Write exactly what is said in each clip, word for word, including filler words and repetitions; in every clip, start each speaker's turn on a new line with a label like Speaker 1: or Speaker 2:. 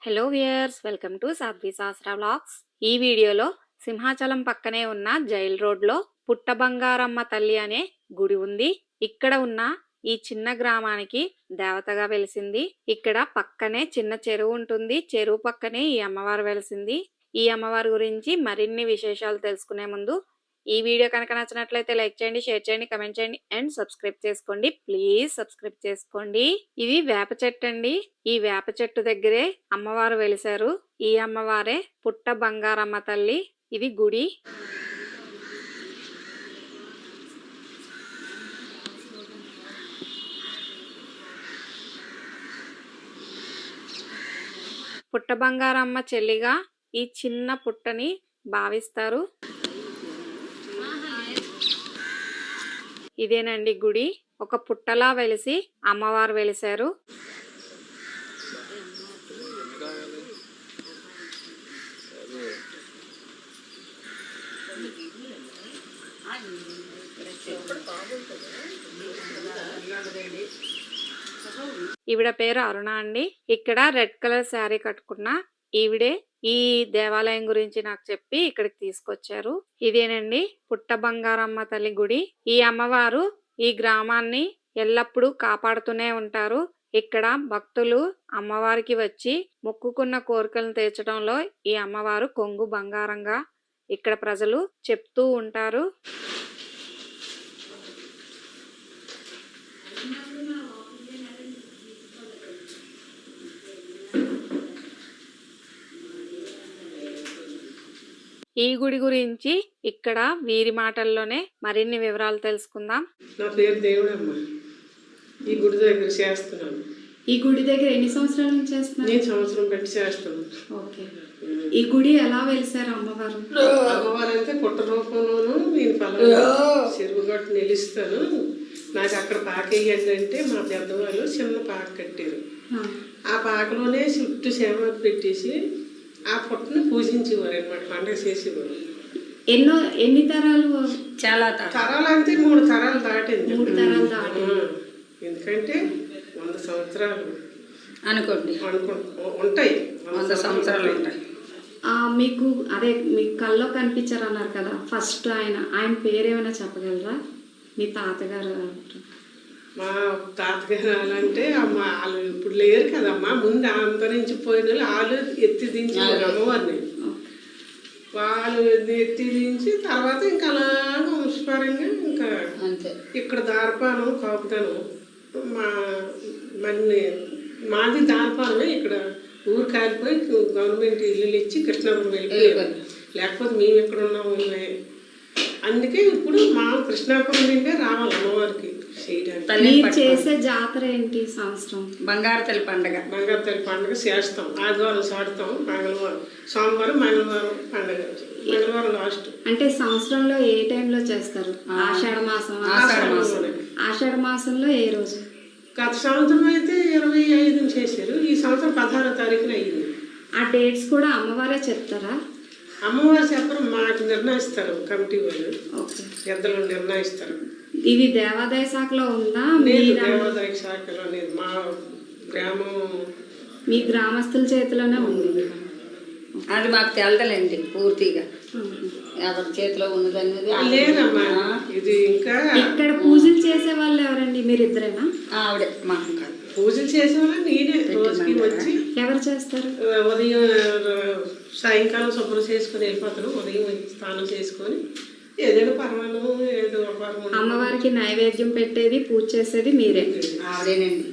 Speaker 1: Hello viewers, welcome to Sadhvi Shastra vlogs. ఈ వీడియోలో సింహాచలం పక్కనే ఉన్న జైల్ రోడ్లో పుట్ట బంగారమ్మ తల్లి అనే గుడి ఉంది. ఇక్కడ ఉన్న ఈ చిన్న గ్రామానికి దేవతగా వెలిసింది. ఇక్కడ పక్కనే చిన్న చెరువు ఉంటుంది. చెరువు పక్కనే ఈ అమ్మవారు వెలిసింది. ఈ అమ్మవారి గురించి మరిన్ని విశేషాలు తెలుసుకునే ముందు ఈ వీడియో కనుక నచ్చినట్లయితే లైక్ చేయండి, షేర్ చేయండి, కమెంట్ చేయండి అండ్ సబ్స్క్రైబ్ చేసుకోండి. ప్లీజ్ సబ్స్క్రైబ్ చేసుకోండి. ఇది వేప చెట్టు అండి. ఈ వేప చెట్టు దగ్గరే అమ్మవారు వెలిసారు. ఈ అమ్మవారే పుట్ట బంగారమ్మ తల్లి. ఇది గుడి. పుట్ట బంగారమ్మ చెల్లిగా ఈ చిన్న పుట్టని భావిస్తారు. ఇదేనండి గుడి. ఒక పుట్టలా వెలిసి అమ్మవారు వెలిసారు. ఈవిడ పేరు అరుణ అండి. ఇక్కడ రెడ్ కలర్ శారీ కట్టుకున్న ఈవిడే ఈ దేవాలయం గురించి నాకు చెప్పి ఇక్కడికి తీసుకొచ్చారు. ఇదేనండి పుట్ట బంగారమ్మ తల్లి గుడి. ఈ అమ్మవారు ఈ గ్రామాన్ని ఎల్లప్పుడూ కాపాడుతూనే ఉంటారు. ఇక్కడ భక్తులు అమ్మవారికి వచ్చి మొక్కుకున్న కోరికలను తీర్చడంలో ఈ అమ్మవారు కొంగు బంగారంగా ఇక్కడ ప్రజలు చెప్తూ ఉంటారు. ఈ గుడి గురించి ఇక్కడ వీరి మాటల్లోనే మరిన్ని వివరాలు తెలుసుకుందాం.
Speaker 2: నా పేరు దేవుడమ్మ. ఈ గుడి దగ్గర చేస్తున్నాను.
Speaker 3: ఈ గుడి దగ్గర ఎన్ని సంవత్సరాల నుంచి చేస్తున్నారు?
Speaker 2: నేను సంవత్సరం పెట్టి చేస్తాను.
Speaker 3: ఓకే. ఈ గుడి ఎలా వెలిసారు అమ్మవారు?
Speaker 2: అమ్మవారు అంటే పుట్ట రూపంలోనూ నేను పలానా చెరువు గట్టు నిలుస్తాను, నాకు అక్కడ పాక వేయండి అంటే మా పెద్దవాళ్ళు చిన్న పాక కట్టారు. ఆ పాకలోనే చుట్టూ సేవ పెట్టేసి ఆ పుట్టను పూజించేవారు అనమాట, పండుగ చేసేవారు.
Speaker 3: ఎన్నో ఎన్ని తరాలు?
Speaker 1: చాలా
Speaker 2: తరాలు అంటే మూడు తరాలు దాటింది.
Speaker 3: మూడు తరాలు దాటి
Speaker 2: ఎందుకంటే వంద సంవత్సరాలు
Speaker 1: అనుకోండి
Speaker 2: అనుకు ఉంటాయి.
Speaker 1: వంద సంవత్సరాలు ఉంటాయి.
Speaker 3: మీకు అదే మీకు కల్లో కనిపించారు అన్నారు కదా, ఫస్ట్ ఆయన ఆయన పేరు ఏమైనా చెప్పగలరా? మీ తాతగారు
Speaker 2: మా తాతగారు అంటే అమ్మ వాళ్ళు ఇప్పుడు లేరు కదమ్మా, ముందు అంతరించిపోయిన వాళ్ళు వాళ్ళు ఎత్తి దించి అమ్మవారిని వాళ్ళు ఎత్తి దించి తర్వాత ఇంకా అలాగ వంశపరంగా ఇంకా ఇక్కడ దార్పానం కాపుతాను. మా మన్ని మాది దార్పానమే. ఇక్కడ ఊరు కాలిపోయి గవర్నమెంట్ ఇల్లు ఇచ్చి కృష్ణాపురం వెళ్ళిపోయారు. లేకపోతే మేము ఎక్కడ ఉన్నాము. అందుకే ఇప్పుడు మా కృష్ణాపురం నుండే రావాలి అమ్మవారికి
Speaker 3: మీరు చేసే జాతర ఏంటి? సంవత్సరం
Speaker 1: బంగారు తల్లి పండుగ.
Speaker 2: బంగారు తల్లి పండుగ చేస్తాం. ఆదివారం సాడుతాం, మంగళవారం సోమవారం మంగళవారం పండుగ, మంగళవారం లాస్ట్.
Speaker 3: అంటే సంవత్సరంలో ఏ టైంలో చేస్తారు? ఆషాఢ మాసం. ఆషాఢ మాసంలో ఏ రోజు?
Speaker 2: గత సంవత్సరం అయితే ఇరవై ఐదు చేశారు. ఈ సంవత్సరం పదహారో తారీఖున అయ్యింది.
Speaker 3: ఆ డేట్స్ కూడా అమ్మవారే చెప్తారా?
Speaker 2: అమ్మవారు చెప్పరు, మాకు నిర్ణయిస్తారు కమిటీ వాళ్ళు, పెద్దలు నిర్ణయిస్తారు.
Speaker 3: ఇది దేవాదాయ శాఖలో ఉందా?
Speaker 2: దేవాదాయ శాఖలో లేదు, మా గ్రామం
Speaker 3: మీ గ్రామస్తుల చేతిలోనే ఉంది.
Speaker 1: అది మాకు తెలదలేండి పూర్తిగా ఎవరి చేతిలో ఉన్నది అనేది
Speaker 2: లేదమ్మా. ఇది ఇంకా
Speaker 3: ఇక్కడ పూజలు చేసే వాళ్ళు ఎవరండి? మీరు ఇద్దరేనా?
Speaker 1: ఆవిడే మా
Speaker 2: పూజలు చేసే వాళ్ళు నేనే రోజుకి వచ్చి.
Speaker 3: ఎవరు చేస్తారు?
Speaker 2: ఉదయం సాయంకాలం శుభ్రం చేసుకుని వెళ్ళిపోతాను. ఉదయం స్నానం చేసుకొని ఏదైనా పర్వాలేదు ఏదో
Speaker 3: అమ్మవారికి నైవేద్యం పెట్టేది పూజ చేసేది మీరే?
Speaker 1: ఆవిడేనండి.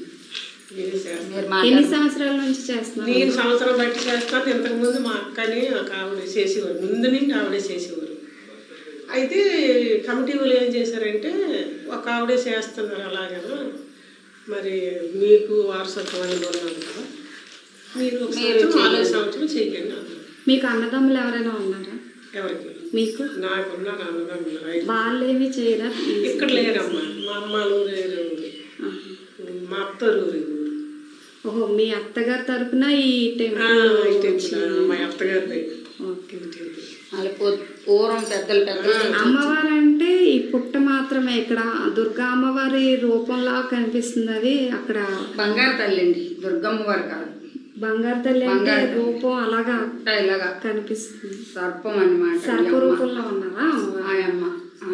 Speaker 3: ఎన్ని సంవత్సరాల నుంచి చేస్తున్నారు?
Speaker 2: నేను సంవత్సరం బట్టి చేస్తాను. ఇంతకుముందు మా అక్కని ఒక ఆవిడ చేసేవారు, ముందు నుంచి ఆవిడే చేసేవారు. అయితే కమిటీ వాళ్ళు ఏం చేశారంటే ఒక ఆవిడే చేస్తున్నారు అలాగేనా, మరి మీకు వారసత్వం అనేది ఉన్నాను కదా, మీరు ఒక సంవత్సరం నాలుగు సంవత్సరం చెయ్యండి.
Speaker 3: మీకు అన్నదమ్ములు ఎవరైనా ఉన్నారా?
Speaker 2: ఎవరికి? మీకు. నాకున్నారు అన్నదమ్ములు.
Speaker 3: వాళ్ళేమి చేయరా?
Speaker 2: ఇక్కడ లేరమ్మా. మా అమ్మలు లేరు, మా అత్తరు.
Speaker 3: ఓహో, మీ అత్తగారి తరపున ఈ టెంపుల్?
Speaker 2: మా అత్తగారి
Speaker 1: పూర్వం పెద్దలు పెద్దలు.
Speaker 3: అమ్మవారు అంటే ఈ పుట్ట మాత్రమే ఇక్కడ దుర్గా అమ్మవారి రూపంలా కనిపిస్తుంది. అది అక్కడ
Speaker 1: బంగారు తల్లి అండి, దుర్గమ్మ వారు కాదు.
Speaker 3: బంగారు తల్లి అంటే రూపం అలాగా
Speaker 4: ఇలాగా
Speaker 3: కనిపిస్తుంది.
Speaker 4: సర్పం అన్నమాట.
Speaker 3: సర్ప రూపంలో ఉన్నారా
Speaker 4: ఆయమ్మ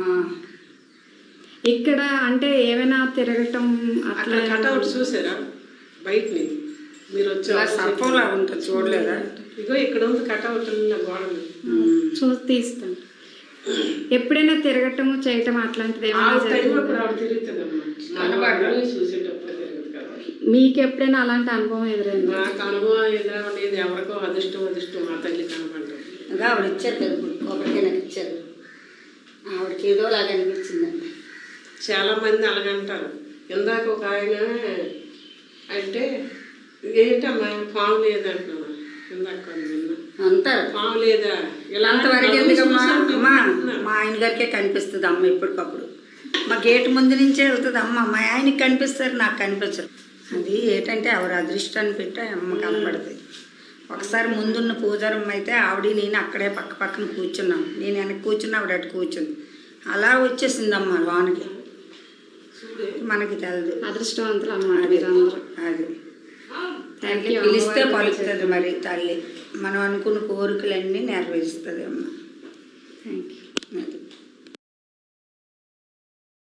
Speaker 3: ఇక్కడ? అంటే ఏమైనా తిరగటం
Speaker 2: అట్లా
Speaker 3: అట్లా
Speaker 2: కటౌట్ చూసారా బయటని? మీరు వచ్చి
Speaker 4: సర్పంలా ఉంటుంది, చూడలేదా?
Speaker 2: ఇగో ఇక్కడ ఉంది కటౌట్ గోడలు.
Speaker 3: చూసి తీస్తాను. ఎప్పుడైనా తిరగటము చేయటం అట్లాంటిది
Speaker 2: ఆ
Speaker 3: ఏమైనా
Speaker 2: టైం
Speaker 3: జరిగిందా?
Speaker 2: అప్పుడు ఆవిడ తిరుగుతుందమ్మా, చూసేటప్పుడు తిరగదు కదా.
Speaker 3: మీకు ఎప్పుడైనా అలాంటి అనుభవం ఎదురైందా?
Speaker 2: నాకు అనుభవం ఎదురవలేదు. ఎవరికో అదృష్టం అదృష్టం మా తల్లి కనపడ్డాం.
Speaker 4: ఇంకా ఆవిడ ఇచ్చారు కదా ఇప్పుడు కొబ్బరికాయ నాకు ఇచ్చారు. ఆవిడకి ఏదో లాగా అనిపించిందండి.
Speaker 2: చాలా మంది అలాగంటారు. ఇందాక ఒక ఆయన అంటే ఏంటమ్మా పాము లేదంటున్నావా? ఇందాక నిన్న
Speaker 4: అంటారు
Speaker 2: పాము లేదా ఇలా
Speaker 4: అంతవరకు ఎందుకమ్మా? అమ్మా మా ఆయన గారికే కనిపిస్తుంది అమ్మ ఎప్పటికప్పుడు. మా గేటు ముందు నుంచే వెళ్తుంది అమ్మ. మా ఆయనకి కనిపిస్తారు, నాకు కనిపించరు. అది ఏంటంటే ఎవరు అదృష్టాన్ని పెట్టి అమ్మ కనపడుతుంది. ఒకసారి ముందున్న పూజారమ్మ అయితే ఆవిడ నేను అక్కడే పక్క పక్కన కూర్చున్నాం. నేను వెనక్కి కూర్చున్నా, ఆవిడ అటు కూర్చుంది. అలా వచ్చేసిందమ్మ లోనికి. మనకి తెలదు.
Speaker 3: అదృష్టవంతులు అన్నమాట మీరందరూ.
Speaker 4: అది
Speaker 3: థ్యాంక్ యూ.
Speaker 4: పిలిస్తే పలుకుతుంది మరి తల్లి. మనం అనుకున్న కోరికలన్నీ నెరవేరుస్తుంది అమ్మ.
Speaker 3: Thank you.
Speaker 4: అది